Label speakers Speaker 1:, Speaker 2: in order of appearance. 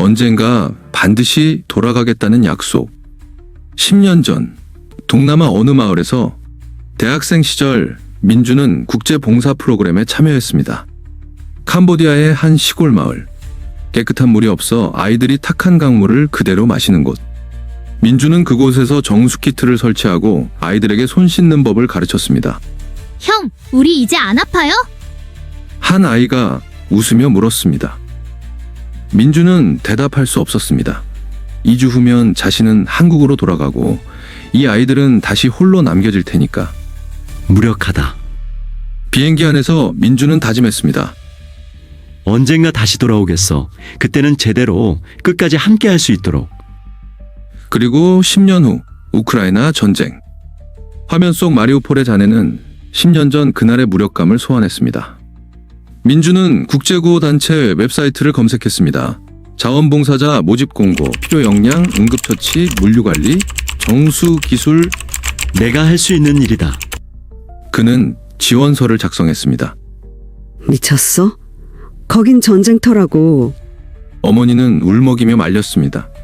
Speaker 1: 언젠가 반드시 돌아가겠다는 약속. 10년 전 동남아 어느 마을에서 대학생 시절 민주는 국제 봉사 프로그램에 참여했습니다. 캄보디아의 한 시골 마을. 깨끗한 물이 없어 아이들이 탁한 강물을 그대로 마시는 곳. 민주는 그곳에서 정수 키트를 설치하고 아이들에게 손 씻는 법을 가르쳤습니다.
Speaker 2: 형, 우리 이제 안 아파요?
Speaker 1: 한 아이가 웃으며 물었습니다. 민주는 대답할 수 없었습니다. 2주 후면 자신은 한국으로 돌아가고 이 아이들은 다시 홀로 남겨질 테니까.
Speaker 3: 무력하다.
Speaker 1: 비행기 안에서 민주는 다짐했습니다.
Speaker 3: 언젠가 다시 돌아오겠어. 그때는 제대로 끝까지 함께 할 수 있도록.
Speaker 1: 그리고 10년 후 우크라이나 전쟁. 화면 속 마리우폴의 자네는 10년 전 그날의 무력감을 소환했습니다. 민주는 국제구호단체 웹사이트를 검색했습니다. 자원봉사자 모집 공고, 필요 역량, 응급처치, 물류관리, 정수기술.
Speaker 3: 내가 할 수 있는 일이다.
Speaker 1: 그는 지원서를 작성했습니다.
Speaker 4: 미쳤어? 거긴 전쟁터라고.
Speaker 1: 어머니는 울먹이며 말렸습니다.